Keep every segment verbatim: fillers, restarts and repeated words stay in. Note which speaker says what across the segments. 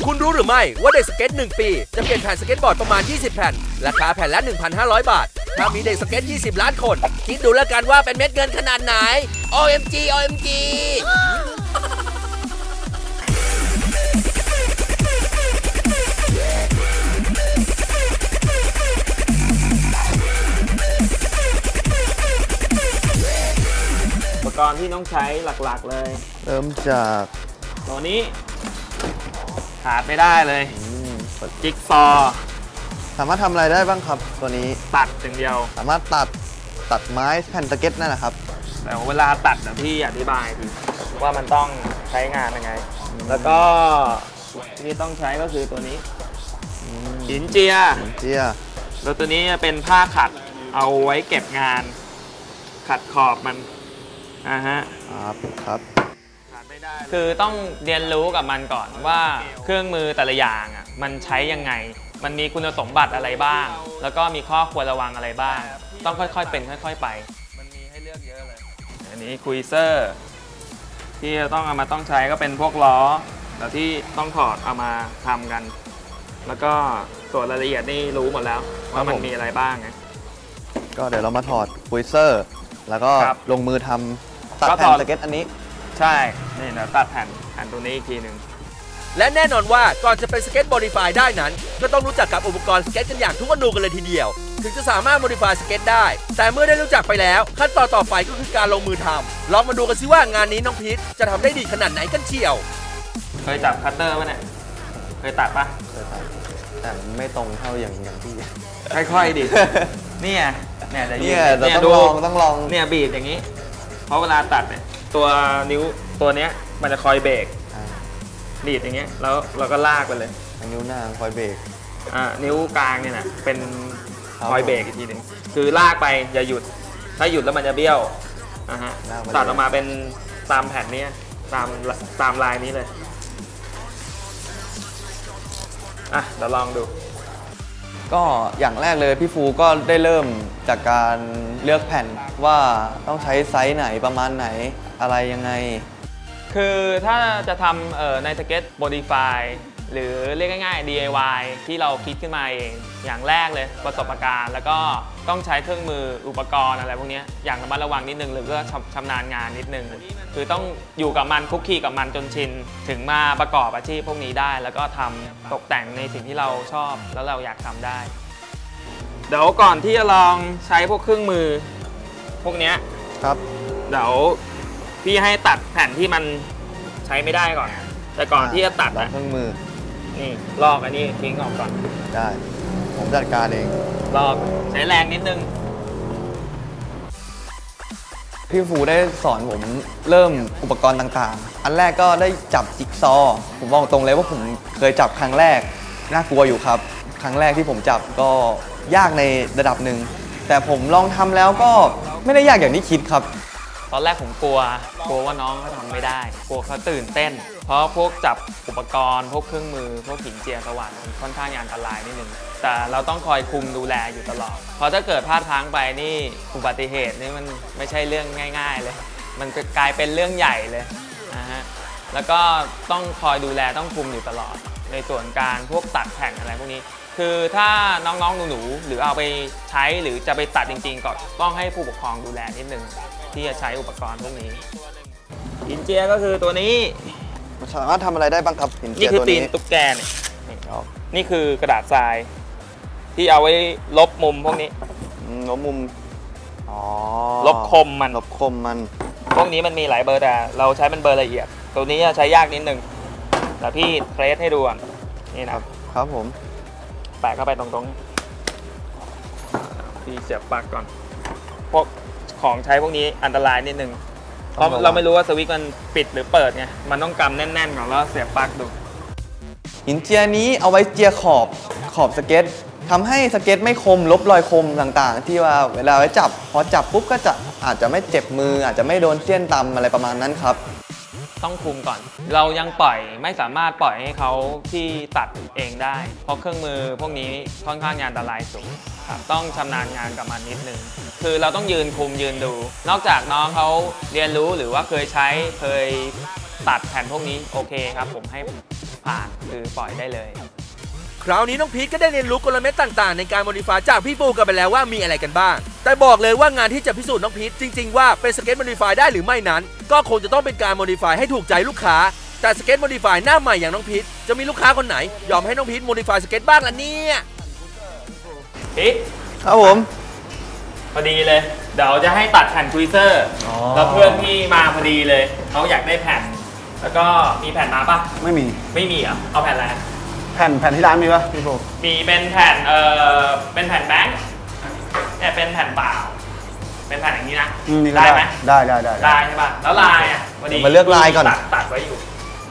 Speaker 1: คุณรู้หรือไม่ว่าเด็กสเก็ตหนึ่งปีจะเปลี่ยนแผ่นสเก็ตบอร์ดประมาณยี่สิบแผ่นราคาแผ่นละ หนึ่งพันห้าร้อย บาทถ้ามีเด็กสเก็ตยี่สิบล้านคนคิดดูแล้วกันว่าเป็นเม็ดเงินขนาดไหน โอ เอ็ม จี โอ เอ็ม จี
Speaker 2: อุปกรณ์ที่ต้องใช้หลักๆเลย
Speaker 3: เริ่มจาก
Speaker 2: ตัวนี้ขาดไม่ได้เลยจิ๊กซอ
Speaker 3: สามารถทำอะไรได้บ้างครับตัวนี้
Speaker 2: ตัดอย่างเดียว
Speaker 3: สามารถตัดตัดไม้แผ่นสเก็ตนั่นแหละครับ
Speaker 2: แต่เวลาตัดเดี๋ยวพี่อธิบายทีว่ามันต้องใช้งานยังไงแล้วก็ที่ต้องใช้ก็คือตัวนี้หินเจีย
Speaker 3: หินเจีย
Speaker 2: แล้วตัวนี้เป็นผ้าขัดเอาไว้เก็บงานขัดขอบมันอ่าฮะ
Speaker 3: ครับครับ
Speaker 2: คือต้องเรียนรู้กับมันก่อนว่าเครื่องมือแต่ละอย่างอ่ะมันใช้ยังไงมันมีคุณสมบัติอะไรบ้างแล้วก็มีข้อควรระวังอะไรบ้างต้องค่อยๆเป็นค่อยๆไปมันมีให้เลือกเยอะเลยอันนี้คุยเซอร์ที่ต้องเอามาต้องใช้ก็เป็นพวกล้อแต่ที่ต้องถอดเอามาทำกันแล้วก็ส่วนรายละเอียดนี่รู้หมดแล้วว่ามันมีอะไรบ้างไง
Speaker 3: ก็เดี๋ยวเรามาถอดคุยเซอร์แล้วก็ลงมือทำตัดแผ่นสเก็ตอันนี้
Speaker 2: ใช่นี่เดี๋ยวตัดแผ่นแผ่นตัวนี้อีกทีหนึ่ง
Speaker 1: และแน่นอนว่าก่อนจะเป็นสเก็ตโมดิฟายได้นั้นก็ต้องรู้จักกับอุปกรณ์สเก็ตกันอย่างทุกอนูกันเลยทีเดียวถึงจะสามารถโมดิฟายสเก็ตได้แต่เมื่อได้รู้จักไปแล้วขั้นตอนต่อไปก็คือการลงมือทำลองมาดูกันสิว่างานนี้น้องพีทจะทำได้ดีขนาดไหนกันเชียว
Speaker 2: เคยจับคัตเตอร์ป่ะเนี่ยเคยตัดปะ
Speaker 3: เคยตัดแต่ไม่ตรงเท่าอย่างอย่างที่
Speaker 2: ค่อยๆดิเนี่ยเนี่ยจะ
Speaker 3: เนี่ยต้องลองต้องลอง
Speaker 2: เนี่ยบีบอย่างนี้เพราะเวลาตัดเนี่ยตัวนิ้วตัวเนี้ยมันจะคอยเบรกบีบอย่างเงี้ยแล้วเราก็ลากไปเลย
Speaker 3: นิ้วนางคอยเบรก
Speaker 2: อ่านิ้วกลางเนี่ยนะเป็นคอยเบรกอีกทีหนึ่งคือลากไปอย่าหยุดถ้าหยุดแล้วมันจะเบี้ยวอ่ะฮะตัดออกมาเป็นตามแผ่นนี้ตามตามลายนี้เลยอ่ะเดี๋ยวลองดู
Speaker 3: ก็อย่างแรกเลยพี่ฟูก็ได้เริ่มจากการเลือกแผ่นว่าต้องใช้ไซส์ไหนประมาณไหนอะไรยังไง
Speaker 2: คือถ้าจะทำในสเก็ตโมดิฟายหรือเรียกง่ายๆ ดี ไอ วาย ที่เราคิดขึ้นมาเองอย่างแรกเลยประสบการณ์แล้วก็ต้องใช้เครื่องมืออุปกรณ์อะไรพวกนี้อย่างระมัดระวังนิดนึงหรือก็ชำนาญงานนิดนึงคือต้องอยู่กับมันคุกคีกับมันจนชินถึงมาประกอบอาชีพพวกนี้ได้แล้วก็ทำตกแต่งในสิ่งที่เราชอบแล้วเราอยากทำได้เดี๋ยวก่อนที่จะลองใช้พวกเครื่องมือพวกนี้
Speaker 3: ครับ
Speaker 2: เดี๋ยวพี่ให้ตัดแผ่นที่มันใช้ไม่ได้ก่อนแต่ก่อนที่จะตัด
Speaker 3: เครื่องมือ
Speaker 2: นี่ลอกอันนี้ทิ้งออกก่อน
Speaker 3: ได้ผมจัดการเอง
Speaker 2: ลอกใช้แรงนิดนึง
Speaker 3: พี่ฟูได้สอนผมเริ่มอุปกรณ์ต่างๆอันแรกก็ได้จับจิ๊กซอว์ผมบอกตรงเลยว่าผมเคยจับครั้งแรกน่ากลัวอยู่ครับครั้งแรกที่ผมจับก็ยากในระดับหนึ่งแต่ผมลองทำแล้วก็ไม่ได้ยากอย่างที่คิดครับ
Speaker 2: ตอนแรกผมกลัวกลัวว่าน้องเขาทำไม่ได้กลัวเขาตื่นเต้นเพราะพวกจับอุปกรณ์พวกเครื่องมือพวกหินเจียสว่านค่อนข้างอันตรายนิดนึงแต่เราต้องคอยคุมดูแลอยู่ตลอดเพราะถ้าเกิดพลาดพลั้งไปนี่อุบัติเหตุนี่มันไม่ใช่เรื่องง่ายๆเลยมันจะกลายเป็นเรื่องใหญ่เลยนะฮะแล้วก็ต้องคอยดูแลต้องคุมอยู่ตลอดในส่วนการพวกตัดแผ่นอะไรพวกนี้คือถ้าน้องๆหนูๆหรือเอาไปใช้หรือจะไปตัดจริงๆก็ต้องให้ผู้ปกครองดูแลนิดนึงที่จะใช้อุปกรณ์พวกนี้หินเจียก็คือตัวนี้
Speaker 3: สามารถทำอะไรได้บ้างครับหินเจียตัวนี้
Speaker 2: นี่คือตีนตุ๊กแกเนี่ยนี่คือกระดาษทรายที่เอาไว้ลบมุมพวกนี้
Speaker 3: ลบมุมอ๋อ
Speaker 2: ลบคมมัน
Speaker 3: ลบคมมัน
Speaker 2: พวกนี้มันมีหลายเบอร์แต่เราใช้เป็นเบอร์ละเอียดตัวนี้จะใช้ยากนิดนึงแต่พี่เทรสให้ดูก่อนนี่นะครับ
Speaker 3: ครับผม
Speaker 2: แปะเข้าไปตรงๆพี่เสียบปลั๊กก่อนพวกของใช้พวกนี้อันตรายนิดนึงเพราะเราไม่รู้ว่าสวิตช์มันปิดหรือเปิดไงมันต้องกำแน่นๆก่อนแล้วเสียบปลั๊กดู
Speaker 3: หินเจียนี้เอาไว้เจียขอบขอบสเก็ตทำให้สเก็ตไม่คมลบรอยคมต่างๆที่ว่าเวลาไว้จับพอจับปุ๊บก็จะอาจจะไม่เจ็บมืออาจจะไม่โดนเสี้ยนตำอะไรประมาณนั้นครับ
Speaker 2: ต้องคุมก่อนเรายังปล่อยไม่สามารถปล่อยให้เขาที่ตัดเองได้เพราะเครื่องมือพวกนี้ค่อนข้างอันตรายสูงต้องชำนาญงานกับมันนิดนึงคือเราต้องยืนคุมยืนดูนอกจากน้องเขาเรียนรู้หรือว่าเคยใช้เคยตัดแผ่นพวกนี้โอเคครับผมให้ผ่านคือปล่อยได้เลย
Speaker 1: คราวนี้น้องพีทก็ได้เรียนรู้กลเม็ดต่างๆในการโมดิฟายจากพี่ฟูกันไปแล้วว่ามีอะไรกันบ้างแต่บอกเลยว่างานที่จะพิสูจน์น้องพีทจริงๆว่าเป็นสเก็ตโมดิฟายได้หรือไม่นั้นก็คงจะต้องเป็นการโมดิฟายให้ถูกใจลูกค้าแต่สเก็ตโมดิฟายหน้าใหม่อย่างน้องพีทจะมีลูกค้าคนไหนยอมให้น้องพีทโมดิฟายสเก็ตบ้างล่ะเนี่ย
Speaker 2: พีท
Speaker 3: ครับผม
Speaker 2: พอดีเลยเดี๋ยวจะให้ตัดแผ่นทวิเซอร์แล้วเพื่อนที่มาพอดีเลยเขาอยากได้แผ่นแล้วก็มีแผ่นมาปะ
Speaker 4: ไม่มี
Speaker 2: ไม่มีอ่ะเอาแผ่นอะไร
Speaker 4: แผ่นแผ่นที่ร้านมีปะพี่โบ
Speaker 2: มีเป็นแผ่นเอ่อเป็นแผ่นแบงค์เนี่ยเป็นแผ่นเปล่าเป็นแผ่นอย่างนี้นะได้ไหม
Speaker 4: ได้ได้ได้
Speaker 2: ได้ใช่ป่ะแล้วลายอ่ะ
Speaker 3: วันนี้มาเลือกลายก่อน
Speaker 2: ตัดตัดไว้อยู่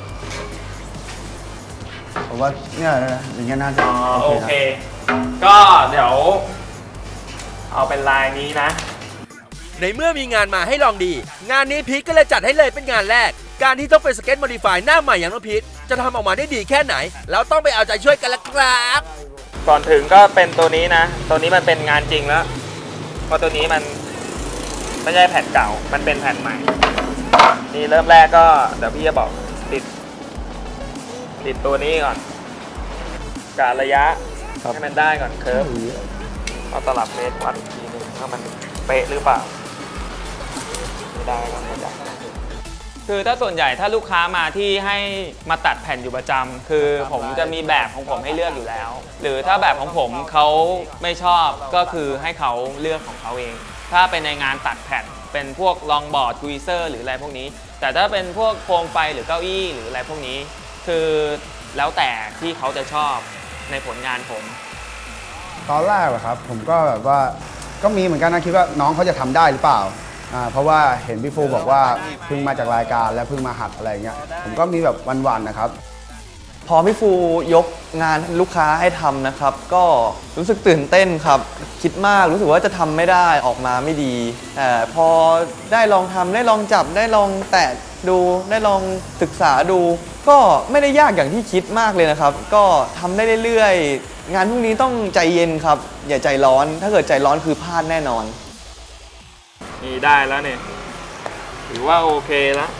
Speaker 4: ผมว่าเนี่ยอย่างเงี้ยน่าจะ
Speaker 2: โอเคก็เดี๋ยวเอาเป็นลายนี้นะ
Speaker 1: ในเมื่อมีงานมาให้ลองดีงานนี้พีทก็เลยจัดให้เลยเป็นงานแรกการที่ต้องเป็นสเก็ตโมดิฟายหน้าใหม่อย่างน้องพีทจะทำออกมาได้ดีแค่ไหนแล้วต้องไปเอาใจช่วยกันละครับ
Speaker 2: ก่อนถึงก็เป็นตัวนี้นะตัวนี้มันเป็นงานจริงแล้วเพราะตัวนี้มันไม่ใช่แผ่นเก่ามันเป็นแผ่นใหม่นี่เริ่มแรกก็เดี๋ยวพี่จะบอกติดติดตัวนี้ก่อนกะระยะให้มันได้ก่อนเคิร์ฟเอาตลับเมตรวัดอีกทีนึงว่ามันเป๊ะหรือเปล่าไม่ได้ก็ไม่ได้คือถ้าส่วนใหญ่ถ้าลูกค้ามาที่ให้มาตัดแผ่นอยู่ประจำคือผมจะมีแบบของผมให้เลือกอยู่แล้วหรือถ้าแบบของผมเขาไม่ชอบก็คือให้เขาเลือกของเขาเองถ้าเป็นในงานตัดแผ่นเป็นพวกลองบอร์ดทวีเซอร์หรืออะไรพวกนี้แต่ถ้าเป็นพวกโคมไฟหรือเก้าอี้หรืออะไรพวกนี้คือแล้วแต่ที่เขาจะชอบในผลงานผม
Speaker 4: ตอนแรกเหรอครับผมก็แบบว่าก็มีเหมือนกันนะคิดว่าน้องเขาจะทำได้หรือเปล่าอ่าเพราะว่าเห็นพี่ฟูบอกว่าเพิ่งมาจากรายการและเพิ่งมาหัดอะไรเงี้ยผมก็มีแบบวันๆนะครับ
Speaker 3: พอพี่ฟูยกงานลูกค้าให้ทำนะครับก็รู้สึกตื่นเต้นครับคิดมากรู้สึกว่าจะทำไม่ได้ออกมาไม่ดีแต่พอได้ลองทำได้ลองจับได้ลองแตะดูได้ลองศึกษาดูก็ไม่ได้ยากอย่างที่คิดมากเลยนะครับก็ทำได้เรื่อยๆงานพวกนี้ต้องใจเย็นครับอย่าใจร้อนถ้าเกิดใจร้อนคือพลาดแน่นอน
Speaker 2: นี่ได้แล้วเนี่ยถือว่าโอเคแล้ว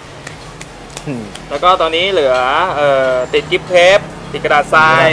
Speaker 2: แล้วก็ตอนนี้เหลือเอ่อติดกิฟต์เทปติดกระดาษทราย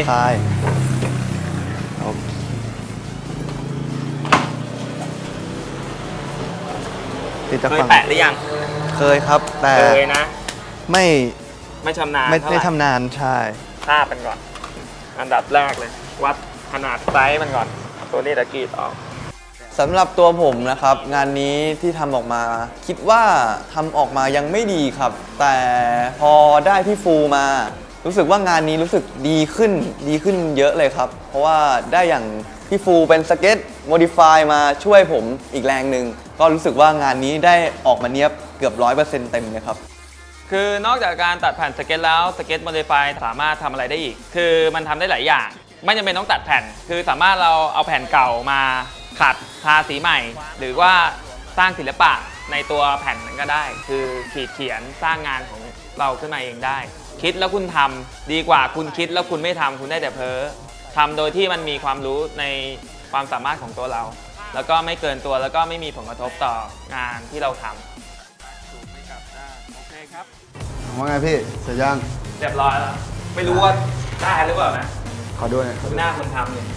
Speaker 2: เคยแปะหรือยัง
Speaker 3: เคยครับแต่
Speaker 2: เคยนะ
Speaker 3: ไม่
Speaker 2: ไม่ชำนาญ
Speaker 3: ไม่ได้ชำนาญใช่
Speaker 2: ทาบมันก่อนอันดับแรกเลยวัดขนาดไซส์มันก่อนตัวนี้ตะกรีดออก
Speaker 3: สำหรับตัวผมนะครับงานนี้ที่ทำออกมาคิดว่าทำออกมายังไม่ดีครับแต่พอได้พี่ฟูมารู้สึกว่างานนี้รู้สึกดีขึ้นดีขึ้นเยอะเลยครับเพราะว่าได้อย่างพี่ฟูเป็นสเก็ตโมดิฟายมาช่วยผมอีกแรงหนึ่งก็รู้สึกว่างานนี้ได้ออกมาเนียบเกือบร้อยเปอร์เซ็นต์เต็มเลยครับ
Speaker 2: คือนอกจากการตัดแผ่นสเก็ตแล้วสเก็ตโมดิฟายสามารถทำอะไรได้อีกคือมันทำได้หลายอย่างไม่จำเป็นต้องตัดแผ่นคือสามารถเราเอาแผ่นเก่ามาขัดทาสีใหม่หรือว่าสร้างศิลปะในตัวแผ่นนั้นก็ได้คือขีดเขียนสร้างงานของเราขึ้นมาเองได้คิดแล้วคุณทำดีกว่าคุณคิดแล้วคุณไม่ทำคุณได้แต่เพ้อทำโดยที่มันมีความรู้ในความสามารถของตัวเราแล้วก็ไม่เกินตัวแล้วก็ไม่มีผลกระทบต่องานที่เราทำโอเคครับ
Speaker 4: ว่าไงพี่เสร็จยัง
Speaker 2: เรียบร้อยแล้วไม่รู้ว่าได้หรือเปล่านะ
Speaker 4: ขอด้วย
Speaker 2: หน้าคนทำเนี่ย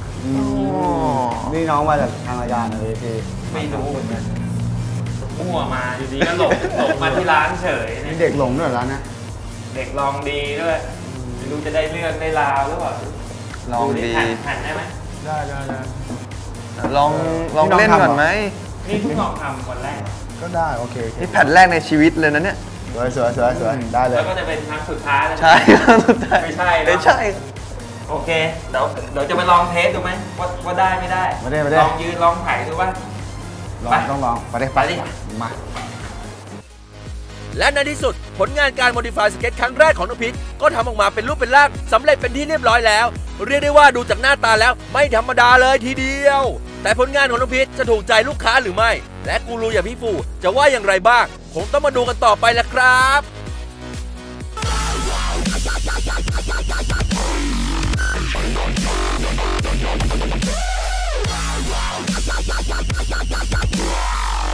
Speaker 4: นี่น้องมาจากทางรายการนะพี่
Speaker 2: ไม่รู้เหมือนกันมั่วมาอยู่ดีก็หลงหลงมาที่ร้านเฉย
Speaker 4: นี่เด็กหลงด้วยร้านนะ
Speaker 2: เด็กลองดีด้วยไม่รู้จะได้เลือกได้ราวหรือเปล่า
Speaker 3: ลองดี
Speaker 2: แผ่นได้ไหม
Speaker 4: ได้ได้ได้
Speaker 3: ลองลองเล่นก่อนไหม
Speaker 2: นี่เพิ่งลองทำวันแรก
Speaker 4: ก็ได้โอเค
Speaker 3: นี่แผ่นแรกในชีวิตเลยนะเนี่ย
Speaker 4: สวยสวยสวยสวยได้เลย
Speaker 2: แล้วก็จะเป็นครั้งสุดท้าย
Speaker 3: ใช่
Speaker 2: ไม่ใช่
Speaker 3: ไม่ใช่
Speaker 2: โอเคเดี๋ยวเดี๋ยวจะไปลองเทสดูไหมว่าว่าได้ไม่ได้
Speaker 4: ไม่ได้ไม่ได้
Speaker 2: ลองยืนลองถ่ายดูว่า
Speaker 4: ลองต้องลองไปได้ไปดิมา
Speaker 1: และในที่สุดผลงานการโมดิฟายสเก็ตครั้งแรกของน้องพีทก็ทำออกมาเป็นรูปเป็นร่างสำเร็จเป็นที่เรียบร้อยแล้วเรียกได้ว่าดูจากหน้าตาแล้วไม่ธรรมดาเลยทีเดียวแต่ผลงานของน้องพีทจะถูกใจลูกค้าหรือไม่และกูรูอย่างพี่ฟูจะว่าอย่างไรบ้างคงต้องมาดูกันต่อไปละครับ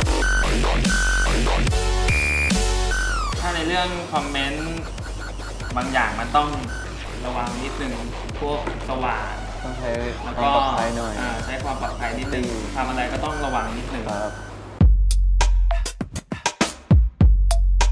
Speaker 2: ถ้าในเรื่องคอมเมนต์บางอย่างมันต้องระวังนิดนึงพวกสว่าน
Speaker 3: ต้องใช้
Speaker 2: แล้ว
Speaker 3: ความ
Speaker 2: ก็
Speaker 3: ปลอดภัยหน่อย
Speaker 2: าใช้ความปลอดภัยนิดนึงทำอะไรก็ต้องระวังนิดนึง
Speaker 3: ครับ